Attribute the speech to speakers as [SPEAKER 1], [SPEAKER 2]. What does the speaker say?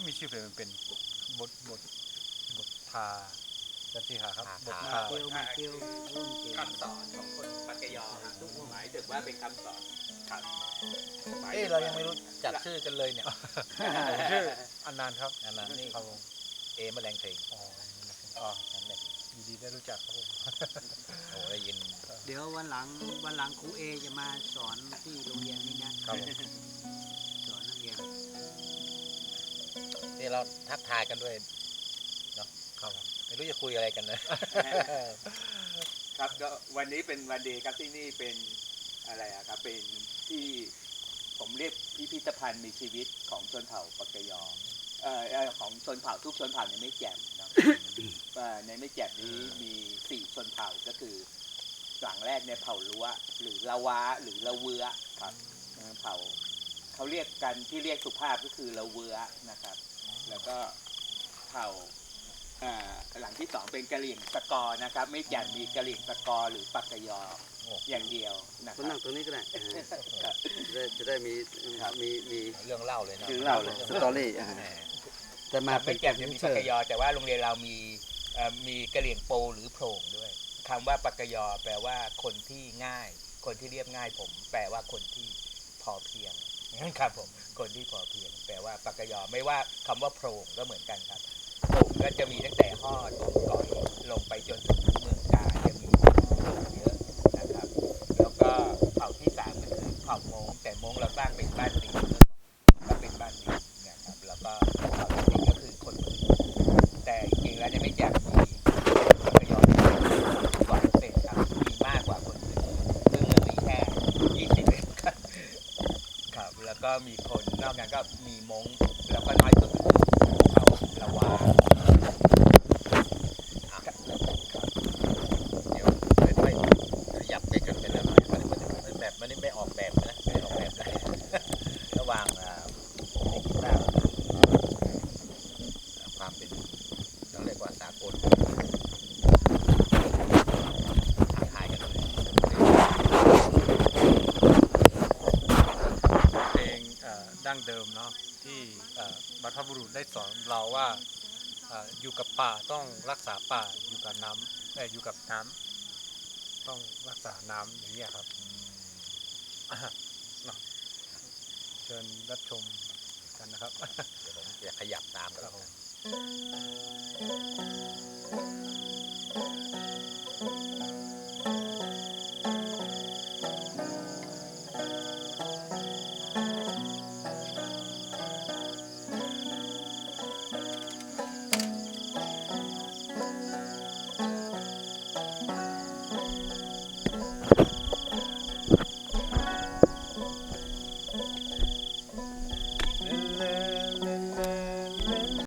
[SPEAKER 1] มีชื่อเพลงมันเป็นบททาจันทีหาครับบททา
[SPEAKER 2] เกียวมาเกียวรุ่นเกียว
[SPEAKER 3] คำสอนของคนปักกยอครับหมายถึงว่าเป็นคำสอนครับ
[SPEAKER 4] เรายังไม่รู้จักชื่อกันเลยเนี่ย
[SPEAKER 1] ชื่ออันนานครับ
[SPEAKER 4] อันนั้นนี่
[SPEAKER 1] ครับผม
[SPEAKER 4] แมลงเพลง
[SPEAKER 1] อ๋อ
[SPEAKER 4] นั่นแหละ
[SPEAKER 1] ยินดีได้รู้จักครับผม
[SPEAKER 4] โอ้ได้ยิน
[SPEAKER 2] เดี๋ยววันหลังครูเอจะมาสอนที่โรงเรียนนี้นะครับ
[SPEAKER 1] ผม
[SPEAKER 2] สอนนักเรียน
[SPEAKER 4] นี่เราทักทายกันด้วยเนาะ
[SPEAKER 1] ครับผม
[SPEAKER 4] ไม่รู้จะคุยอะไรกันเลย
[SPEAKER 3] ครับก็วันนี้เป็นวันดีครับที่นี่เป็นอะไรอะครับเป็นที่ผมเรียกพิพิธภัณฑ์มีชีวิตของชนเผ่าปักกยอของชนเผ่าทุกชนเผ่าในแม่แจ่มเนาะ ในแม่แจ่มนี้มี4ชนเผ่าก็คือหลังแรกในเผ่าลัวหรือละวาหรือละเวือครับเผ่าเขาเรียกกันที่เรียกสุภาพก็คือละเวือนะครับแล้วก็เผ่าหลังที่2เป็นกะเหรี่ยงสกอร์นะครับไม่แจ่มมีกะเหรี่ยงสกอร์หรือปักกยออย่างเดียวนะค
[SPEAKER 5] มา
[SPEAKER 3] รั
[SPEAKER 5] นั่
[SPEAKER 3] บ
[SPEAKER 5] งตรงนี้ก็ได้จะได้มี
[SPEAKER 4] เรื่องเล่าเลยนะ
[SPEAKER 5] ถึงเราเลยสตอรี่
[SPEAKER 4] แหม
[SPEAKER 5] แต่มาเป็
[SPEAKER 3] ไม่
[SPEAKER 5] น
[SPEAKER 3] แจ่มจะมีปักกยอแต่ว่าโรงเรียนเรามีกะเหรี่ยงโปหรือโพรงด้วยคำว่าปักกยอแปลว่าคนที่ง่ายคนที่เรียบง่ายผมแปลว่าคนที่พอเพียงครับผมคนที่พอเพียงแปลว่าปักกยอไม่ว่าคำว่าโพรงก็เหมือนกันครับโพรงก็จะมีตั้งแต่ฮอดก่อยลงไปจนถึงเมืองกาญจะมีโพรงเยอะนะครับแล้วก็เผ่าที่3ก็คือเผ่ามงแต่มงเราสร้างเป็นบ้านดินก็เป็นบ้านดินนะครับแล้วก็เผ่าที่4ก็คือคนพื้นแต่จริงๆแล้วเนี่ยไม่อยากมีปักกยอกว่าเศษครับมีมากกว่าคนพื้นซึ่งมันมีแค่20เองครับแล้วก็มีคนนอกนั้นก็มีมงแล้วก็น้อยสุดคือเผ่าละวา
[SPEAKER 4] เดี๋ยวค่อยๆขยับไปกันเป็นอะไรมันแบบมันไม่ออกแบบนะไม่ออกแบบนะระหว่างในกีตาร์ความเป็นต้องเรียกว่าสากลถ่ายกันเลย
[SPEAKER 1] เพลงดั้งเดิมเนาะที่บรรพบุรุษได้สอนเราว่าอยู่กับป่าต้องรักษาป่าอยู่กับน้ำอยู่กับน้ำต้องรักษาน้ำอย่างนี้ยครับเนาะเชิญรับชมกันนะครับ
[SPEAKER 4] เดี๋ยวผมจะขยับตามกัน
[SPEAKER 1] ครับ
[SPEAKER 4] แล้ว
[SPEAKER 1] ผ
[SPEAKER 4] กัน
[SPEAKER 1] ม